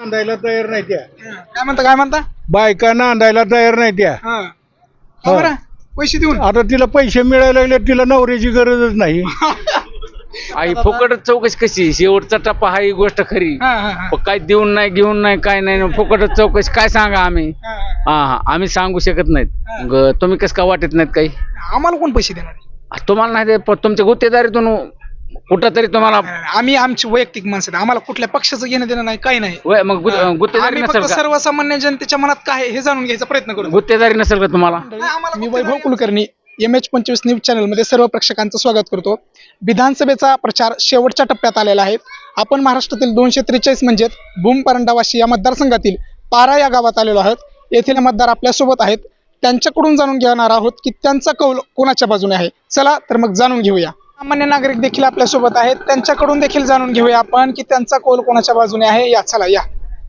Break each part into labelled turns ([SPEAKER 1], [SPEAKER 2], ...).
[SPEAKER 1] नांदायला तयार नाही त्या.
[SPEAKER 2] काय म्हणता
[SPEAKER 1] बायका नांदायला तयार नाही त्या.
[SPEAKER 2] का बरं? पैसे देऊन
[SPEAKER 1] आता तिला पैसे मिळायला लागले, तिला नवऱ्याची गरजच नाही.
[SPEAKER 3] आई फुकट चौकशी कशी शेवटचा टप्पा हा ही गोष्ट खरी. पण काय देऊन नाही घेऊन नाही काय नाही फुकट चौकशी काय सांगा आम्ही. हा आम्ही सांगू शकत नाहीत. मग तुम्ही कसं का वाटत नाहीत काही.
[SPEAKER 2] आम्हाला कोण पैसे देणार?
[SPEAKER 3] तुम्हाला नाही ते तुमच्या गुत्तेदारीतून कुठं तरी तुम्हाला
[SPEAKER 2] आम्ही आमची वैयक्तिक माणसं आहे. आम्हाला कुठल्या पक्षाचं घेणं देणं नाही, काही नाही.
[SPEAKER 3] मग गुत्तेदारी
[SPEAKER 2] आम्ही
[SPEAKER 3] नसेल
[SPEAKER 2] फक्त
[SPEAKER 3] का
[SPEAKER 2] सर्वसामान्य जनतेच्या मनात काय आहे हे जाणून घ्यायचा प्रयत्न करतो.
[SPEAKER 3] गुत्तेदारी नसेल का तुम्हाला.
[SPEAKER 2] मी Vaibhav Kulkarni MH25 news channel मध्ये सर्व प्रेक्षकांचं स्वागत करतो. विधानसभेचा प्रचार शेवटच्या टप्प्यात आलेला आहे. आपण महाराष्ट्रातील 243 म्हणजे भूम परंडावाशी या मतदारसंघातील पारा या गावात आलेलो आहोत. येथील मतदार आपल्या सोबत आहेत. त्यांच्याकडून जाणून घेणार आहोत की त्यांचा कौल कोणाच्या बाजूने आहे. चला तर मग जाणून घेऊया. सामान्य नागरिक देखील आपल्या सोबत आहेत. त्यांच्याकडून देखील जाणून घेऊया आपण की त्यांचा कौल कोणाच्या बाजूने आहे. या चला या.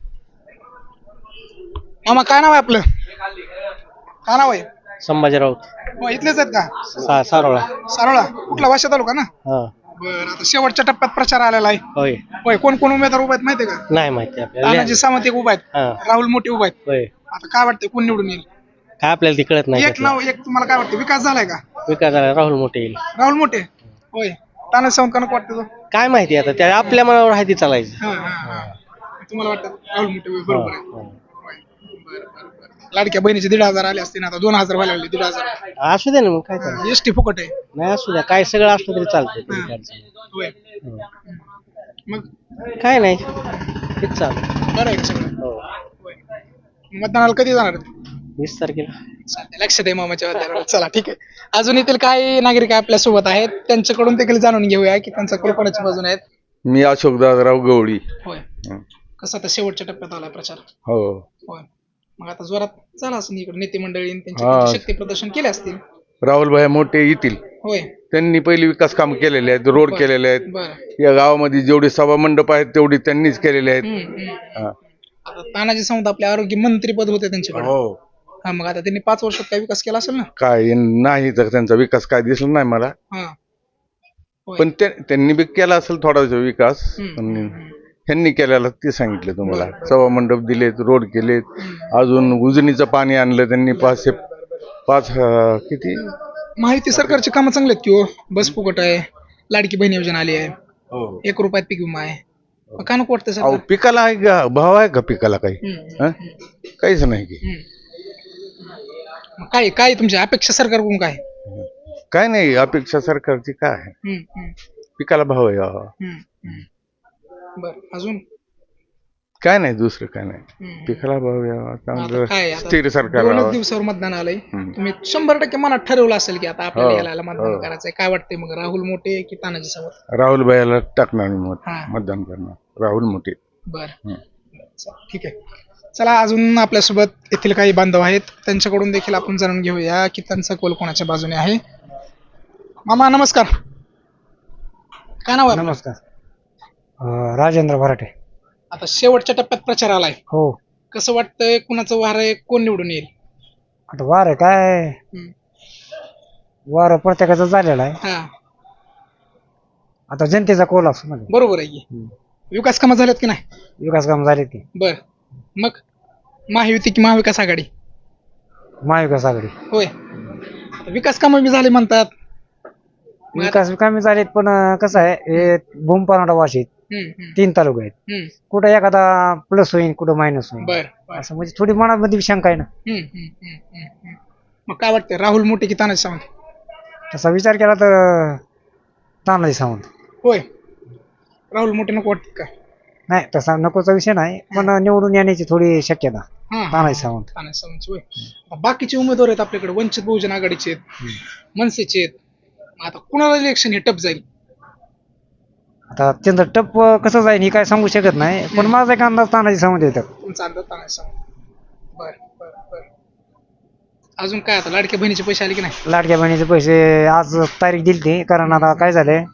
[SPEAKER 2] मामा काय नाव आहे आपलं? काय नाव आहे?
[SPEAKER 4] संभाजी राऊत.
[SPEAKER 2] इथलेच आहेत का?
[SPEAKER 4] सारोळा.
[SPEAKER 2] सारोळा कुठला वाशा तालुका ना?
[SPEAKER 4] हा
[SPEAKER 2] बरं, आता शेवटच्या टप्प्यात प्रचार आलेला आहे.
[SPEAKER 4] होय.
[SPEAKER 2] होय, कोण कोण उमेदवार उभा आहेत माहितीये का?
[SPEAKER 4] नाही माहिती आपल्याला.
[SPEAKER 2] तानाजी सावंत एक उभा आहेत,
[SPEAKER 4] हा
[SPEAKER 2] राहुल मोठे उभा आहेत.
[SPEAKER 4] होय.
[SPEAKER 2] आता काय वाटतंय कोण निवडून येईल?
[SPEAKER 4] काय आपल्याला ती कळत नाही.
[SPEAKER 2] एक नाव एक तुम्हाला काय वाटतं? विकास झालाय का?
[SPEAKER 4] विकास झाला. राहुल मोठे येईल.
[SPEAKER 2] राहुल मोठे होय. तानाजी सावंत का नको वाटतं तो?
[SPEAKER 4] काय माहिती आता त्या आपल्या मनावर आहे ती चालायचं.
[SPEAKER 2] तुम्हाला वाटतं राहुल मोठे होय, बरोबर आहे. होय. बरं, बरं, बरं. लाडक्या बहिणीचे 1,500 आले असते ना, आता 2,000 व्हायला लागले. 1,500
[SPEAKER 4] असू दे ना मग काय चालतं.
[SPEAKER 2] एसटी फुकट आहे.
[SPEAKER 4] नाही असू द्या काय सगळं असलं तरी चालतंय.
[SPEAKER 2] होय. मग
[SPEAKER 4] काय नाही हेच चालतं.
[SPEAKER 2] बरं आहे सगळं.
[SPEAKER 4] हो.
[SPEAKER 2] होय. मतदानाला कधी जाणार?
[SPEAKER 4] 20 तारखेला.
[SPEAKER 2] चालतंय, लक्षात आहे मामाच्या वाद्यावर. चला ठीक आहे. अजून येथील काही नागरिक आपल्या सोबत आहेत. त्यांच्याकडून देखील जाणून घेऊया की त्यांचा कौल कोणाच्या बाजूने आहेत.
[SPEAKER 1] मी अशोक दादाराव गवळी.
[SPEAKER 2] होय. कसं आता शेवटच्या टप्प्यात आलाय प्रचार.
[SPEAKER 1] हो.
[SPEAKER 2] होय. मग आता जोरात झाला असं इकडे नेते मंडळी
[SPEAKER 1] हा.
[SPEAKER 2] त्यांचे शक्ती प्रदर्शन केले असतील.
[SPEAKER 1] राहुल भाई मोठे येतील.
[SPEAKER 2] होय.
[SPEAKER 1] त्यांनी पहिली विकास काम केलेले आहेत, रोड
[SPEAKER 2] बरं.
[SPEAKER 1] केलेले आहेत.
[SPEAKER 2] बरं.
[SPEAKER 1] या गावामध्ये जेवढे सभा मंडप आहेत तेवढी त्यांनीच केलेले आहेत. हा.
[SPEAKER 2] आता तानाजी सावंत आपले आरोग्य मंत्री पद होते त्यांच्याकडे.
[SPEAKER 1] हो.
[SPEAKER 2] हा, मग आता त्यांनी 5 वर्षात काय विकास केला असेल ना?
[SPEAKER 1] काय नाही तर त्यांचा विकास काय दिसला नाही मला.
[SPEAKER 2] हा. होय.
[SPEAKER 1] पण त्यांनी बी केला असेल थोडासा विकास. पण
[SPEAKER 2] हम्म.
[SPEAKER 1] ह्यांनी केलेला ते सांगितलं तुम्हाला.
[SPEAKER 2] बरं.
[SPEAKER 1] सभा मंडप दिलेत, रोड केलेत, अजून उजनीचं पाणी आणलं त्यांनी. 5 किती
[SPEAKER 2] माहिती सरकारची कामं चांगली आहेत की हो. बस फुकट आहे, लाडकी बहीण योजना आली आहे,
[SPEAKER 1] हो.
[SPEAKER 2] 1 रुपयात पीक विमा आहे. मग का नको वाटतं
[SPEAKER 1] अहो
[SPEAKER 2] सरकार?
[SPEAKER 1] पिकाला आहे का भाव आहे का पिकाला काही?
[SPEAKER 2] हम्म.
[SPEAKER 1] हा? काहीच नाही की.
[SPEAKER 2] मग काय काय तुमच्या अपेक्षा सरकारकडून काय?
[SPEAKER 1] काय नाही अपेक्षा सरकारची काय आहे? पिकाला भाव आहे.
[SPEAKER 2] बर, अजून
[SPEAKER 1] काय नाही दुसरं काय नाही.
[SPEAKER 2] हम्म.
[SPEAKER 1] पिकाला भाव यावा,
[SPEAKER 2] आता
[SPEAKER 1] चांगलं
[SPEAKER 2] काय आता
[SPEAKER 1] स्थिर सरकार
[SPEAKER 2] 2
[SPEAKER 1] राहावं.
[SPEAKER 2] दिवसावर मतदान आलंय.
[SPEAKER 1] हम्म.
[SPEAKER 2] तुम्ही 100% मनात ठरवलं असेल की आता आपल्याला
[SPEAKER 1] हो,
[SPEAKER 2] याला मतदान
[SPEAKER 1] हो.
[SPEAKER 2] करायचंय. काय वाटतंय मग, राहुल मोठे की तानाजी सावंत?
[SPEAKER 1] राहुल भाईला टाकणार मी
[SPEAKER 2] हा.
[SPEAKER 1] मतदान करणार राहुल मोठे.
[SPEAKER 2] बर,
[SPEAKER 1] हम्म.
[SPEAKER 2] ठीक आहे. चला अजून आपल्यासोबत येथील काही बांधव आहेत. त्यांच्याकडून देखील आपण जाणून घेऊया की त्यांचा कौल कोणाच्या बाजूने आहे. मामा नमस्कार. काय नाव आहे आपलं?
[SPEAKER 4] नमस्कार. राजेंद्र भराटे.
[SPEAKER 2] आता शेवटच्या टप्प्यात प्रचार आलाय.
[SPEAKER 4] हो.
[SPEAKER 2] कसं वाटतंय, कुणाचं वार आहे, कोण निवडून येईल?
[SPEAKER 4] आता वार काय
[SPEAKER 2] हम्म.
[SPEAKER 4] वार प्रत्येकाचा झालेला आहे.
[SPEAKER 2] हा,
[SPEAKER 4] आता जनतेचा कौल असतो ना.
[SPEAKER 2] बरोबर आहे की. विकास कामं झालेत की नाही?
[SPEAKER 4] विकास काम झाले की.
[SPEAKER 2] बर, मग महायुती की महाविकास आघाडी?
[SPEAKER 4] महाविकास आघाडी.
[SPEAKER 2] होय. आता विकास कामं बी झाले म्हणतात. मग आता-
[SPEAKER 4] विकास कमी झालेत पण कसं आहे हे भूम परांडा वाशीत
[SPEAKER 2] हम्म, हम्म,
[SPEAKER 4] 3 तालुके आहेत.
[SPEAKER 2] हम्म.
[SPEAKER 4] कुठं एखादा प्लस होईल कुठं मायनस होईल
[SPEAKER 2] बर, बर.
[SPEAKER 4] असं म्हणजे थोडी मनामध्ये शंका आहे ना.
[SPEAKER 2] हम्म, हम्म, हम्म, हम्म, हम्म. मग काय वाटतंय, राहुल मोठे की तानाजी सावंत?
[SPEAKER 4] तसा विचार केला तर तानाजी सावंत.
[SPEAKER 2] होय. राहुल मोठे नको वाटत का?
[SPEAKER 4] नाही तसा नकोचा विषय नाही पण निवडून येण्याची थोडी शक्यता
[SPEAKER 2] हा,
[SPEAKER 4] तानाजी सावंत.
[SPEAKER 2] तानाजी सावंत होय. आता बाकीचे उमेदवार आहेत आपल्याकडे, वंचित बहुजन आघाडीचे आहेत, मनसेचे आहेत. आता कुणाला इलेक्शन हे टप जाईल?
[SPEAKER 4] आता त्यांचं टप कसं जाईल हे काय सांगू शकत नाही पण माझा एक अंदाज तानाजी सावंत येतात.
[SPEAKER 2] तुमचा अंदाज तानाजी सावंत. बर, बर, बर. अजून काय, आता लाडक्या बहिणीचे पैसे आले की नाही?
[SPEAKER 4] लाडक्या बहिणीचे पैसे आज तारीख दिली ती कारण आता काय झालंय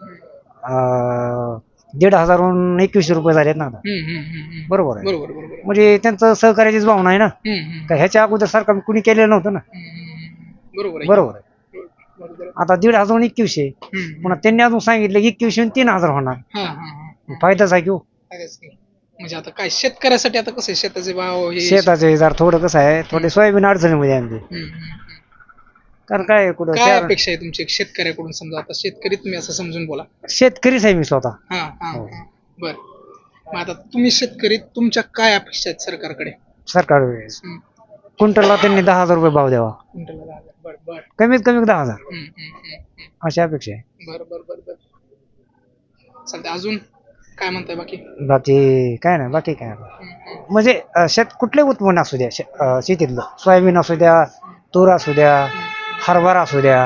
[SPEAKER 4] 1,500वरून 2100 रुपये झालेत ना आता.
[SPEAKER 2] हम्म, हम्म, हम्म, हम्म.
[SPEAKER 4] बरोबर आहे
[SPEAKER 2] बरोबर, बरोबर.
[SPEAKER 4] म्हणजे त्यांचं सहकार्याचीच भावना आहे ना.
[SPEAKER 2] हम्म, हम्म,
[SPEAKER 4] का ह्याच्या अगोदर सरकार कुणी केलेलं नव्हतं ना.
[SPEAKER 2] हम्म. बरोबर आहे.
[SPEAKER 4] बरोबर आहे.
[SPEAKER 2] बरोबर आहे.
[SPEAKER 4] आता 1,500वरून 2100
[SPEAKER 2] हम्म.
[SPEAKER 4] पुन्हा त्यांनी अजून सांगितलं 2100 आणि 3,000 होणार.
[SPEAKER 2] हा, हा, हा.
[SPEAKER 4] फायदाच आहे की हो.
[SPEAKER 2] चालेल की. म्हणजे आता काय शेतकऱ्यासाठी आता कसं आहे शेताचे भाव हे
[SPEAKER 4] शेताचे जर थोडं कसं आहे थोडे सोयाबीन अडचणीमध्ये आमची. कारण काय कुठं
[SPEAKER 2] काय
[SPEAKER 4] शहर-
[SPEAKER 2] अपेक्षा आहे तुमची शेतकऱ्याकडून समजा आता शेतकरी तुम्ही असं समजून बोला.
[SPEAKER 4] शेतकरीच आहे मी स्वतः.
[SPEAKER 2] बर मग आता तुम्ही शेतकरी तुमच्या काय अपेक्षा आहेत सरकारकडे?
[SPEAKER 4] सरकार क्विंटलला त्यांनी 10,000 रुपये भाव द्यावा,
[SPEAKER 2] क्विंटलला 10,000. बर बर
[SPEAKER 4] कमीत कमी 10,000 अशी अपेक्षा आहे.
[SPEAKER 2] बर बर बर बर चालतंय. अजून काय म्हणताय बाकी?
[SPEAKER 4] बाकी काय नाही, बाकी काय नाही. म्हणजे कुठले उत्पन्न असू द्या शेतीतलं, सोयाबीन असू द्या, तूर असू द्या, हरभरा असू द्या,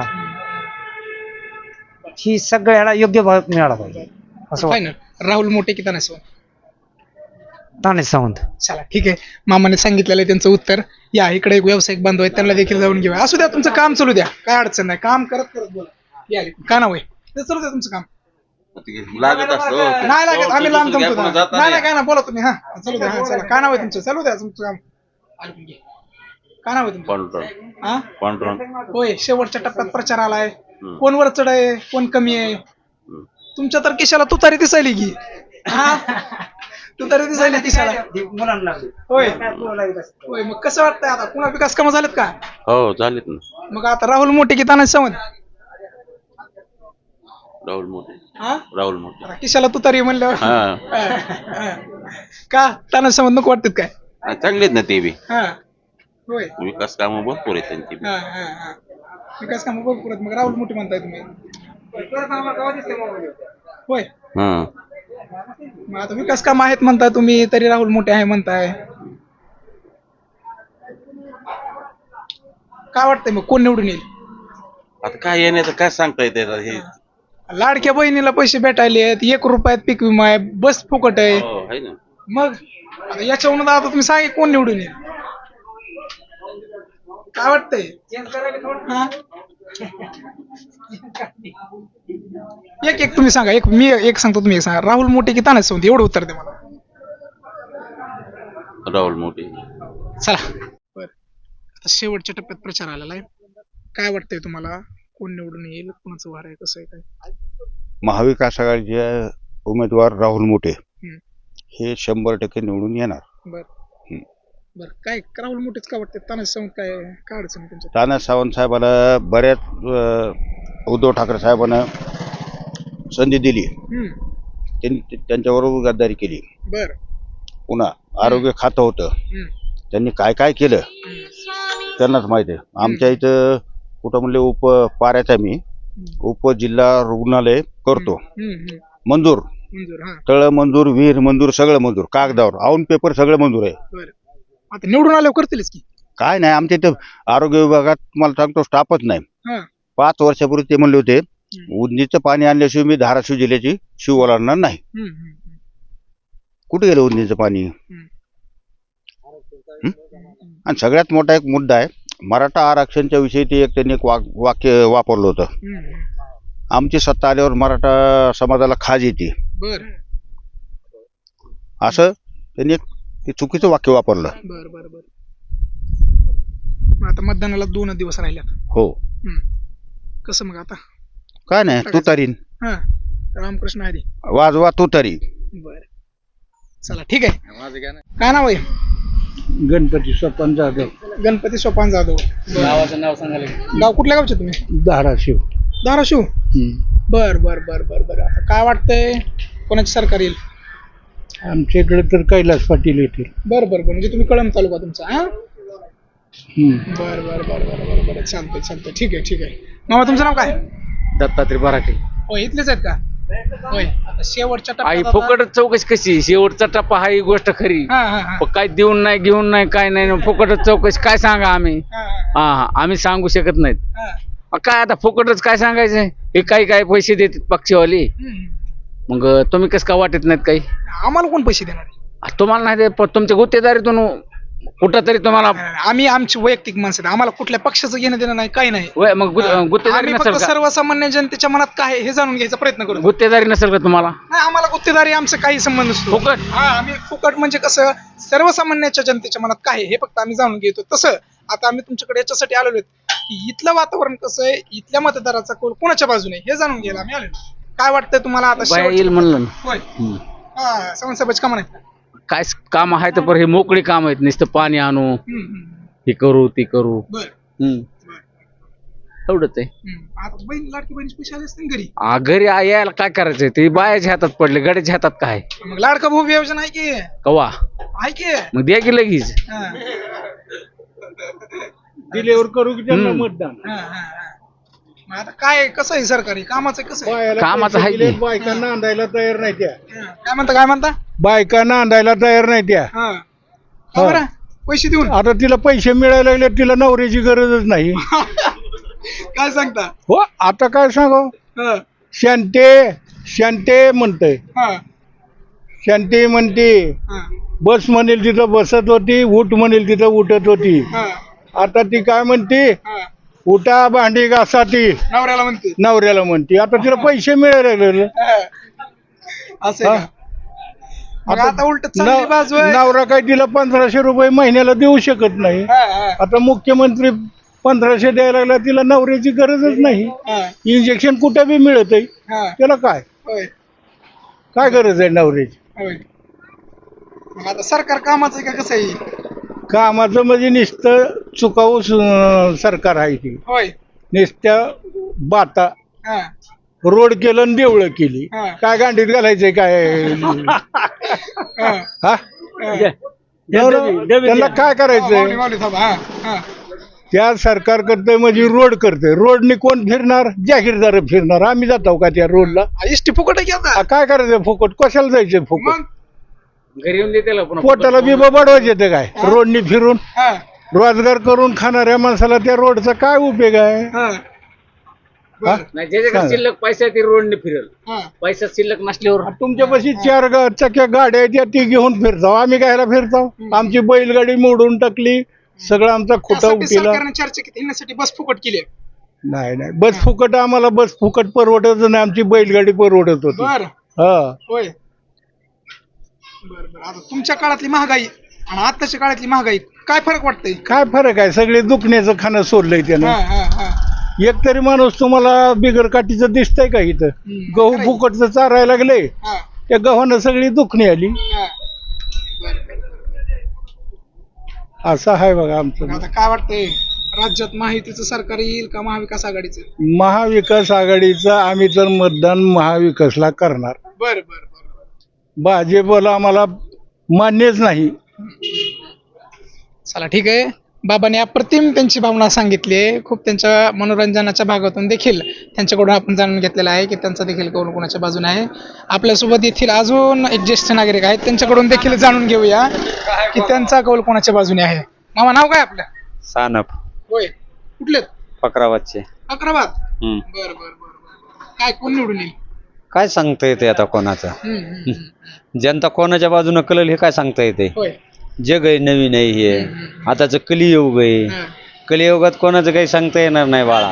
[SPEAKER 4] ही सगळ्याला योग्य भाव मिळाला पाहिजे असं
[SPEAKER 2] फायनल राहुल मोठे की तानाजी सावंत?
[SPEAKER 4] तानाजी सावंत.
[SPEAKER 2] चला ठीक आहे, मामाने सांगितलेलं आहे त्यांचं उत्तर. या इकडे एक व्यावसायिक बांधव आहेत, त्यांना देखील जाऊन घेऊया. असू द्या, तुमचं काम चालू द्या, काय अडचण नाही, काम करत करत बोला. या का नाव आहे ते चालू द्या तुमचं काम. नाही लागत, आम्ही लांब जमतो. नाही नाही काय ना, बोला तुम्ही. हा चालू द्या. हा चला, काय नाव आहे तुमचं? चालू द्या तुमचं काम. ऐकून घे. काय नाव आहे तुमचं? हा होय, शेवटच्या टप्प्यात प्रचार आलाय. कोण वर चढ आहे, कोण कमी आहे? तुमच्या तर केशाला तुतारी दिसायली की. हा तुतारी दिसायली केशाला. होय होय, मग कसं वाटतंय आता? पुन्हा विकास कामं झालेत का?
[SPEAKER 5] हो झालेत ना.
[SPEAKER 2] मग आता राहुल मोठे की तानाजी सावंत?
[SPEAKER 5] राहुल मोठे.
[SPEAKER 2] हा
[SPEAKER 5] राहुल मोठे.
[SPEAKER 2] आता केशाला तुतारी म्हणल्यावर का तानाजी सावंत नको वाटतात काय?
[SPEAKER 5] चांगलेत ना ते बी.
[SPEAKER 2] हा होय.
[SPEAKER 5] विकास कामं भरपूर आहेत त्यांची बी.
[SPEAKER 2] विकास कामं भरपूर आहेत, मग राहुल मोठे म्हणताय तुम्ही? होय. मग आता विकास काम आहेत म्हणताय तुम्ही, तरी राहुल मोठे आहे म्हणताय. काय वाटतंय मग कोण निवडून येईल?
[SPEAKER 5] आता काय येण्याचं काय सांगता येते हे.
[SPEAKER 2] लाडक्या बहिणीला पैसे भेटायले, 1 रुपयात पीक विमा आहे, बस फुकट आहे.
[SPEAKER 5] हो, आहे ना.
[SPEAKER 2] मग आता याच्यावरून आता तुम्ही सांगा कोण निवडून येईल? काय वाटतंय? हा? एक तुम्ही सांगा, मी एक सांगतो, तुम्ही एक सांगा. राहुल मोठे की तानाजी सावंत? एवढं उत्तर दे मला.
[SPEAKER 5] राहुल मोठे.
[SPEAKER 2] चला बर, आता शेवटच्या टप्प्यात प्रचार आलेला आहे. काय वाटतंय तुम्हाला, कोण निवडून येईल, कोणाचं वार आहे, कसं आहे काय?
[SPEAKER 6] महाविकास आघाडीचे उमेदवार राहुल मोठे
[SPEAKER 2] हम्म.
[SPEAKER 6] हे 100% निवडून येणार.
[SPEAKER 2] बर बर, काय राहुल मोठेच का वाटते? तानाजी सावंत काय अडचण आहे त्यांच्यात?
[SPEAKER 6] तानाजी सावंत साहेबाला बऱ्याच उद्धव ठाकरे साहेबांना संधी दिली, त्यांनी त्यांच्याबरोबर गद्दारी केली.
[SPEAKER 2] बर
[SPEAKER 6] पुन्हा आरोग्य खातं होतं, त्यांनी काय काय केलं त्यांनाच माहिती आहे. आमच्या इथं कुठं म्हणले पाऱ्याचा मी उपजिल्हा रुग्णालय करतो, मंजूर, तळ मंजूर, विहीर मंजूर, सगळं मंजूर, कागदावर आऊन पेपर सगळं मंजूर आहे.
[SPEAKER 2] बर, आता निवडून आल्यावर करतीलच की?
[SPEAKER 6] काय नाही, आमच्या इथं आरोग्य विभागात तुम्हाला सांगतो स्टाफच नाही. 5 वर्षापूर्वी ते म्हणले होते उजनीचं पाणी आणल्याशिवाय मी धाराशिव जिल्ह्याची शिव ओलांडणार नाही. कुठे गेलं उजनीचं पाणी? आणि सगळ्यात मोठा एक मुद्दा आहे मराठा आरक्षणच्या विषयी. ते एक त्यांनी एक वाक्य वापरलं होतं, आमची सत्ता आल्यावर मराठा समाजाला खाज येते. असं त्यांनी एक ते चुकीचं वाक्य वापरलं.
[SPEAKER 2] बर बर बर, आता मतदानाला 2 दिवस राहिल्यात.
[SPEAKER 6] हो.
[SPEAKER 2] कसं मग आता?
[SPEAKER 6] काय नाही, तुतारीन.
[SPEAKER 2] रामकृष्ण हरी.
[SPEAKER 6] वाजवा तुतारी.
[SPEAKER 2] बर चला ठीक आहे. काय नाव आहे?
[SPEAKER 7] गणपती सोपान जाधव.
[SPEAKER 2] गणपती सोपान जाधव.
[SPEAKER 3] गावाचं नाव सांगायला.
[SPEAKER 2] गाव कुठल्या गावचे तुम्ही?
[SPEAKER 7] धाराशिव.
[SPEAKER 2] धाराशिव. बर बर बर बर बर, आता काय वाटतंय कोणाची सरकार येईल?
[SPEAKER 7] आमच्या इकडे तर कैलास पाटील येतील.
[SPEAKER 2] बर बर बर, म्हणजे तुम्ही कळंब तालुका तुमचा? हा बर बर बर बर बर बर, चालतंय चालतंय, ठीक आहे ठीक आहे. मामा तुमचं नाव काय?
[SPEAKER 3] दत्तात्रय बराटे.
[SPEAKER 2] हो, इथलेच आहेत का? होय, आता शेवटच्या
[SPEAKER 3] आई
[SPEAKER 2] टप्प्यात
[SPEAKER 3] फुकट चौकशी कशी? शेवटचा टप्पा हा ही गोष्ट खरी. पण काय देऊन नाही, घेऊन नाही, काय नाही, फुकटच चौकशी काय सांगा आम्ही? आम्ही सांगू शकत नाहीत. काय आता फुकटच काय सांगायचं? हे काही काय पैसे देतात पक्षीवाले, मग तुम्ही कसं का वाटत नाहीत काही?
[SPEAKER 2] आम्हाला कोण पैसे देणार?
[SPEAKER 3] तुम्हाला नाही देत, पण तुमच्या गुत्तेदारीतून कुठं तरी तुम्हाला.
[SPEAKER 2] आम्ही आमची वैयक्तिक माणसं, आम्हाला कुठल्या पक्षाचं घेणं देणं नाही, काही नाही.
[SPEAKER 3] मग गुत्तेदारी
[SPEAKER 2] आम्ही
[SPEAKER 3] नसेल
[SPEAKER 2] फक्त
[SPEAKER 3] का?
[SPEAKER 2] सर्वसामान्य जनतेच्या मनात काय आहे हे जाणून घ्यायचा प्रयत्न करू.
[SPEAKER 3] गुत्तेदारी नसेल का तुम्हाला?
[SPEAKER 2] नाही, आम्हाला गुत्तेदारी आमचा काही संबंध नसतो.
[SPEAKER 3] फुकट?
[SPEAKER 2] आम्ही फुकट म्हणजे कसं, सर्वसामान्याच्या जनतेच्या मनात काय आहे हे फक्त आम्ही जाणून घेतो. तसं आता आम्ही तुमच्याकडे याच्यासाठी आलेलो की इथलं वातावरण कसं आहे, इथल्या मतदाराचा कौल कोणाच्या बाजूने हे जाणून घ्यायला आम्ही आलेलो. काय वाटतंय तुम्हाला आता?
[SPEAKER 3] येईल म्हणलं ना.
[SPEAKER 2] होय. सावंत साहेबांची कामं नाही
[SPEAKER 3] काय काम आहे तर हे मोकळी काम आहेत, नुसतं पाणी आणू, हे करू ते करू.
[SPEAKER 2] बर
[SPEAKER 3] एवढंच आहे.
[SPEAKER 2] आता बहीण लाडकी बहीण पैसे आले असतील घरी.
[SPEAKER 3] घरी यायला काय करायचंय, ते बायाच्या हातात पडले, गड्याच्या हातात काय
[SPEAKER 2] मग लाडका भाऊ योजना आहे की
[SPEAKER 3] कवा
[SPEAKER 2] आहे की
[SPEAKER 3] मग द्या की लगेच.
[SPEAKER 2] हा.
[SPEAKER 7] दिल्यावर करू की त्यांना मतदान.
[SPEAKER 2] हा, हा, हा. मग आता काय कसं आहे सरकारी कामाचं कसं आहे?
[SPEAKER 7] बायाला
[SPEAKER 3] कामाचं
[SPEAKER 7] पैसे
[SPEAKER 3] आहे की?
[SPEAKER 7] दिलेत, बायका नांदायला तयार नाही त्या.
[SPEAKER 2] काय म्हणता
[SPEAKER 7] बायका नांदायला तयार नाही त्या.
[SPEAKER 2] हा का बरं? पैसे देऊन
[SPEAKER 7] आता तिला पैसे मिळायला लागले, तिला नवऱ्याची गरजच नाही.
[SPEAKER 2] काय सांगता?
[SPEAKER 7] हो, आता काय सांगू,
[SPEAKER 2] हा,
[SPEAKER 7] शांते म्हणतय,
[SPEAKER 2] हा,
[SPEAKER 7] शांती म्हणते,
[SPEAKER 2] हा,
[SPEAKER 7] बस म्हणेल तिथं बसत होती, उठ म्हणेल तिथं उठत होती.
[SPEAKER 2] हा,
[SPEAKER 7] आता ती काय म्हणते,
[SPEAKER 2] हा.
[SPEAKER 7] उठा भांडी घासा ती
[SPEAKER 2] नवऱ्याला म्हणते.
[SPEAKER 7] नवऱ्याला म्हणते. आता तिला पैसे मिळायला लागले.
[SPEAKER 2] हा. असं आहे का? मग आता उलट चांगली बाजू आहे.
[SPEAKER 7] नवरा काय तिला 1500 रुपये महिन्याला देऊ शकत नाही.
[SPEAKER 2] हा, हा,
[SPEAKER 7] आता मुख्यमंत्री 1500 द्यायला लागला, तिला नवऱ्याची गरजच नाही.
[SPEAKER 2] हा,
[SPEAKER 7] इंजेक्शन कुठे बी मिळत आहे,
[SPEAKER 2] हा.
[SPEAKER 7] त्याला काय
[SPEAKER 2] होय,
[SPEAKER 7] काय गरज आहे नवऱ्याची.
[SPEAKER 2] होय. मग आता सरकार कामाचं आहे का कसं आहे?
[SPEAKER 7] कामाचं म्हणजे नुसतं चुकाऊ सरकार आहे ती.
[SPEAKER 2] होय.
[SPEAKER 7] नुसत्या बाता
[SPEAKER 2] हा,
[SPEAKER 7] रोड केलं आणि देवळं केली.
[SPEAKER 2] हा.
[SPEAKER 7] काय गांडीत घालायचंय काय.
[SPEAKER 2] हा.
[SPEAKER 7] हा, त्यांना काय करायचंय.
[SPEAKER 2] माऊली साहेब, हा, हा.
[SPEAKER 7] त्या सरकार करतंय म्हणजे रोड करतंय. रोडनी कोण फिरणार, जाहीरदार फिरणार. आम्ही जातो का त्या रोडला.
[SPEAKER 2] इष्टी फुकट आहे की आता?
[SPEAKER 7] काय करायचं फुकट, कशाला जायचं फुकट.
[SPEAKER 2] मग
[SPEAKER 3] घरी येऊन देते पुन्हा
[SPEAKER 7] पोटाला बिबा बडवायचं येतं काय रोडनी फिरून.
[SPEAKER 2] हा,
[SPEAKER 7] रोजगार करून खाणाऱ्या माणसाला त्या रोडचा काय उपयोग आहे.
[SPEAKER 2] हा,
[SPEAKER 7] हा?
[SPEAKER 3] नाही, ज्याच्याकडे शिल्लक पैसा आहे, ती रोडने फिरल.
[SPEAKER 2] हा.
[SPEAKER 3] पैसा शिल्लक नसल्यावर
[SPEAKER 7] तुमच्यापाशी 4 चक्या गाड्या आहेत, त्या ती घेऊन फिरताव. आम्ही कायला फिरताव. आमची बैलगाडी मोडून टाकली, सगळं आमचा खोटा
[SPEAKER 2] त्यासाठी
[SPEAKER 7] उठीला.
[SPEAKER 2] सरकारने चर्चा केली, येण्यासाठी बस फुकट केली.
[SPEAKER 7] नाही बस फुकट, आम्हाला बस फुकट परवडत नाही. आमची बैलगाडी परवडत होती.
[SPEAKER 2] बर
[SPEAKER 7] हा,
[SPEAKER 2] होय. बर बर. आता तुमच्या काळातली महागाई आणि आताच्या काळातली महागाई काय फरक वाटतंय?
[SPEAKER 7] काय फरक आहे. सगळे दुखण्याचं खाणं सोडलंय
[SPEAKER 2] हा,
[SPEAKER 7] त्यानं.
[SPEAKER 2] हा, हा.
[SPEAKER 7] एक तरी माणूस तुम्हाला बिगर काठीचं दिसतंय का इथं. गहू फुकटचं चारायला लागले,
[SPEAKER 2] हा,
[SPEAKER 7] त्या गव्हानं सगळी दुखणी आली.
[SPEAKER 2] हा. बर, बर.
[SPEAKER 7] असं आहे बघा आमचं.
[SPEAKER 2] आता काय वाटतंय, राज्यात महायुतीचं सरकार येईल का महाविकास आघाडीचं?
[SPEAKER 7] महाविकास आघाडीचं आम्ही तर मतदान महाविकासला करणार.
[SPEAKER 2] बर बर बर.
[SPEAKER 7] भाजपला आम्हाला मान्यच नाही.
[SPEAKER 2] चला ठीक आहे. बाबांनी अप्रतिम त्यांची भावना सांगितली आहे. खूप त्यांच्या मनोरंजनाच्या भागातून देखील त्यांच्याकडून आपण जाणून घेतलेलं आहे की त्यांचा देखील कौल कोणाच्या बाजूने आहे. आपल्यासोबत येथील अजून एक ज्येष्ठ नागरिक आहेत, त्यांच्याकडून देखील जाणून घेऊया की त्यांचा कौल कोणाच्या बाजूने आहे. मामा, नाव काय आपलं?
[SPEAKER 8] सानप
[SPEAKER 2] होय. कुठलेत?
[SPEAKER 8] फकराबादचे.
[SPEAKER 2] अकराबाद. बर बर बर. काय कोण निवडून येईल?
[SPEAKER 8] काय सांगता येते आता कोणाचं. जनता कोणाच्या बाजूनं कळेल हे काय सांगता येते.
[SPEAKER 2] होय.
[SPEAKER 8] जग आहे नवीन आहे हे. आताच कलियुग आहे. कलियुगात कोणाचं काही सांगता येणार नाही बाळा.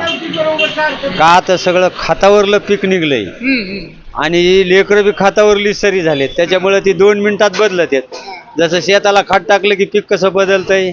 [SPEAKER 8] का आता सगळं खातावरलं पीक निघलंय आणि लेकरं बी खातावरली सरी झालेत. त्याच्यामुळे ती 2 मिनिटात बदलत आहेत. जसं शेताला खात टाकलं की पीक कसं बदलतंय,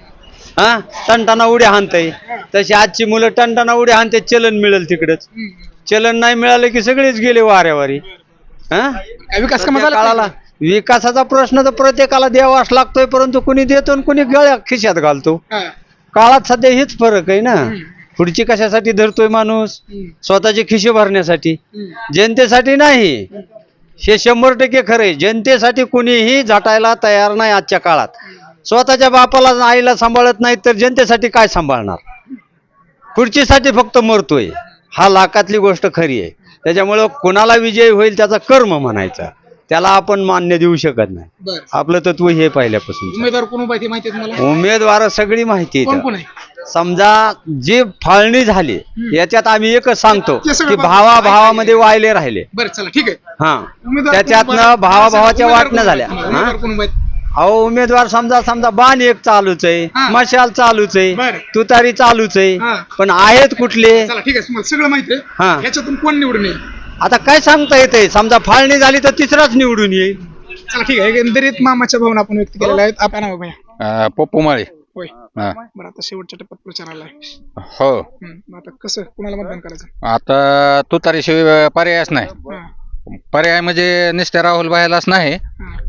[SPEAKER 8] हा टणटाना उड्या हाणतंय, तशी आजची मुलं टणटाना उड्या हाणते. चलन मिळेल तिकडच. चलन नाही मिळालं की सगळेच गेले वाऱ्यावारी. हा,
[SPEAKER 2] विकास कामं झालं
[SPEAKER 8] काळाला विकासाचा प्रश्न तर प्रत्येकाला द्यावाच लागतोय, परंतु कुणी देतो आणि कुणी गळ्या खिशात घालतो. काळात सध्या हेच फरक आहे ना. पुढची कशासाठी धरतोय माणूस? स्वतःचे खिशे भरण्यासाठी, जनतेसाठी नाही. हे 100% खरंय. जनतेसाठी कुणीही झटायला तयार नाही आजच्या काळात. स्वतःच्या बापाला आईला सांभाळत नाही तर जनतेसाठी काय सांभाळणार? खुर्चीसाठी फक्त मरतोय. हा लाखातली गोष्ट खरी आहे. त्याच्यामुळं कोणाला विजय होईल त्याचा कर्म म्हणायचा, त्याला आपण मान्य देऊ शकत नाही. आपलं तत्व हे पहिल्यापासून.
[SPEAKER 2] उमेदवार कोण उभा आहे ते माहिती आहे तुम्हाला?
[SPEAKER 8] उमेदवार सगळी माहिती
[SPEAKER 2] कोण कोण
[SPEAKER 8] आहे.
[SPEAKER 2] आहे?
[SPEAKER 8] समजा जी फाळणी झाली याच्यात आम्ही एकच सांगतो
[SPEAKER 2] ते सगळं
[SPEAKER 8] की
[SPEAKER 2] बघा.
[SPEAKER 8] भावाभावामध्ये वायले राहिले.
[SPEAKER 2] बरं चला ठीक आहे.
[SPEAKER 8] हा,
[SPEAKER 2] उमेदवार कोण
[SPEAKER 8] त्याच्यातनं
[SPEAKER 2] उभा आहे?
[SPEAKER 8] भावाभावाच्या
[SPEAKER 2] उमेदवार
[SPEAKER 8] वाटण्या
[SPEAKER 2] कोण
[SPEAKER 8] झाल्या.
[SPEAKER 2] उभा आहे? उमेदवार कोण उभा आहे?
[SPEAKER 8] अहो उमेदवार समजा बाण एक चालूच आहे,
[SPEAKER 2] हा.
[SPEAKER 8] मशाल चालूच आहे,
[SPEAKER 2] बरं.
[SPEAKER 8] तुतारी चालूच आहे,
[SPEAKER 2] हा.
[SPEAKER 8] पण आहेत कुठले?
[SPEAKER 2] चला ठीक आहे, तुम्हाला सगळं माहिती
[SPEAKER 8] हा.
[SPEAKER 2] आहे. ह्याच्यातून कोण निवडून येईल?
[SPEAKER 8] आता काय सांगता येते. समजा फाळणी झाली तर तिसराच निवडून येईल.
[SPEAKER 2] चला ठीक आहे. एकंदरीत मामाच्या भावना आपण व्यक्त केलेल्या आहेत. आपण नाव भैया
[SPEAKER 1] पप्पू माळे.
[SPEAKER 2] होय. बरं, आता शेवटच्या टप्प्यात प्रचार आलाय.
[SPEAKER 1] हो,
[SPEAKER 2] मग आता कसं कुणाला मतदान करायचं?
[SPEAKER 1] आता तुतारीशिवाय पर्यायच नाही.
[SPEAKER 2] हा,
[SPEAKER 1] पर्याय म्हणजे नुसत्या राहुल भाईलाच नाही,
[SPEAKER 2] हा.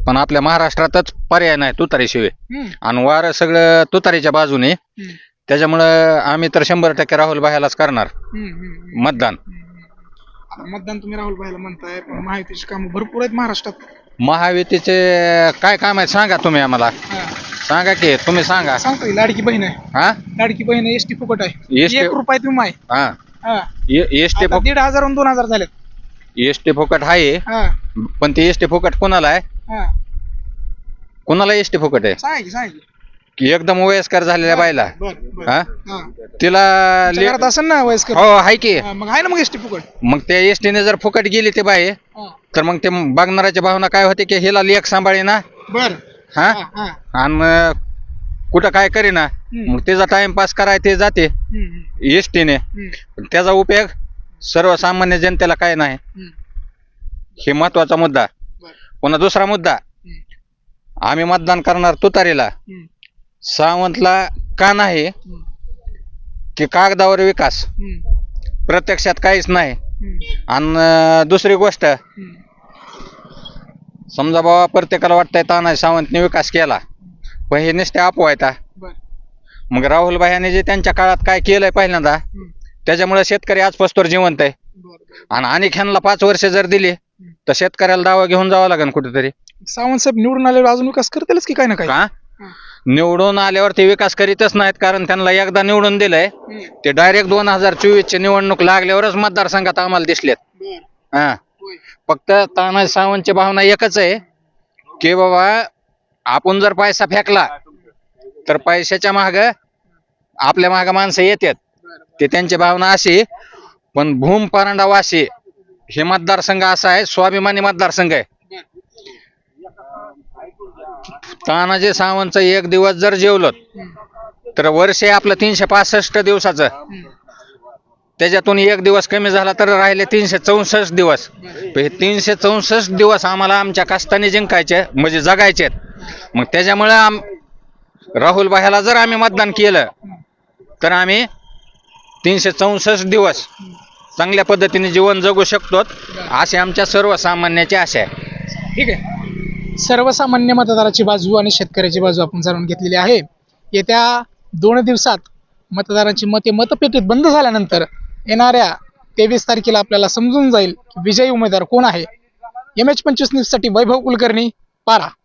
[SPEAKER 9] पण आपल्या महाराष्ट्रातच पर्याय नाही तुतारीशिवाय आणि वारं सगळं तुतारीच्या बाजूने त्याच्यामुळं आम्ही तर 100% राहुल भायालाच करणार मतदान.
[SPEAKER 2] आता मतदान तुम्ही राहुल भाईला म्हणताय, पण महायुतीची कामं भरपूर आहेत महाराष्ट्रात.
[SPEAKER 9] महायुतीचे काय काम आहेत सांगा तुम्ही आम्हाला, सांगा की तुम्ही सांगा.
[SPEAKER 2] सांगतो की लाडकी बहीण आहे,
[SPEAKER 9] हा
[SPEAKER 2] लाडकी बहीण आहे, एसटी फुकट आहे,
[SPEAKER 9] एसटी
[SPEAKER 2] 1 रुपयात विमा आहे.
[SPEAKER 9] हा
[SPEAKER 2] हा.
[SPEAKER 9] एसटी
[SPEAKER 2] आता 1,500 आणि 2,000 झालेत.
[SPEAKER 9] एसटी फुकट आहे,
[SPEAKER 2] हा
[SPEAKER 9] पण ते एसटी फुकट कोणाला आहे?
[SPEAKER 2] हा
[SPEAKER 9] कोणाला एसटी फुकट आहे?
[SPEAKER 2] सांग की
[SPEAKER 9] की एकदम वयस्कर झालेल्या बायला,
[SPEAKER 2] बर बर.
[SPEAKER 9] हा
[SPEAKER 2] हा.
[SPEAKER 9] तिला
[SPEAKER 2] तुमच्या घरात असेल ना वयस्कर?
[SPEAKER 9] हो आहे की.
[SPEAKER 2] मग आहे ना मग एसटी फुकट.
[SPEAKER 9] मग त्या एसटीने जर फुकट गेली ते बाई,
[SPEAKER 2] हा.
[SPEAKER 9] तर मग ते बघणाऱ्याच्या भावना काय होते की हिला लेख सांभाळे ना,
[SPEAKER 2] बर.
[SPEAKER 9] हा
[SPEAKER 2] हा, हा.
[SPEAKER 9] आणि कुठं काय करीना, मग त्याचा टाइमपास कराय ते जाते एसटीने, पण त्याचा उपयोग सर्वसामान्य जनतेला काय नाही. हे महत्वाचा मुद्दा. पुन्हा दुसरा मुद्दा, आम्ही मतदान करणार तुतारीला. सावंतला का नाही की कागदावर विकास, प्रत्यक्षात काहीच नाही. आणि दुसरी गोष्ट, समजा बाबा प्रत्येकाला वाटतंय तानाजी सावंतने विकास केला, पण हे नुसते अफवा. मग राहुल भाईने जे त्यांच्या काळात काय केलंय पहिल्यांदा, त्याच्यामुळे शेतकरी आज पस्तोर जिवंत आहे. आणि ह्यांना 5 वर्ष जर दिली तर शेतकऱ्याला दावा घेऊन जावं लागेल कुठेतरी.
[SPEAKER 2] सावंत साहेब निवडून आल्यावर अजून विकास करतीलच की काय ना काय?
[SPEAKER 9] का निवडून आल्यावर ते विकास करीतच नाहीत, कारण त्यांना एकदा निवडून दिलंय ते डायरेक्ट 2024 निवडणूक लागल्यावरच मतदारसंघात आम्हाला दिसलेत. हा फक्त तानाजी सावंतची भावना एकच आहे की बाबा आपण जर पैसा फेकला तर पैशाच्या माग आपल्या माग माणसं येतात, ते त्यांची भावना अशी. पण भूम परांडा वाशी हे मतदारसंघ असा आहे, स्वाभिमानी मतदारसंघ आहे. तानाजी सावंतचं 1 दिवस जर जेवलं तर वर्ष आपलं 365 दिवसाचं, त्याच्यातून 1 दिवस कमी झाला तर राहिले 364 दिवस. हे 364 दिवस आम्हाला आमच्या कष्टाने जिंकायचे, म्हणजे जगायचे. मग त्याच्यामुळे राहुल भाईला जर आम्ही मतदान केलं तर आम्ही 364 दिवस चांगल्या पद्धतीने जीवन जगू शकतो, असे आमच्या सर्वसामान्याची आशा आहे.
[SPEAKER 2] ठीक आहे. सर्वसामान्य मतदाराची बाजू आणि शेतकऱ्याची बाजू आपण जाणून घेतलेली आहे. येत्या 2 दिवसात मतदारांची मते मतपेटीत बंद झाल्यानंतर येणाऱ्या 23 तारखेला आपल्याला समजून जाईल की विजयी उमेदवार कोण आहे. MH25 न्यूजसाठी वैभव कुलकर्णी, पारा.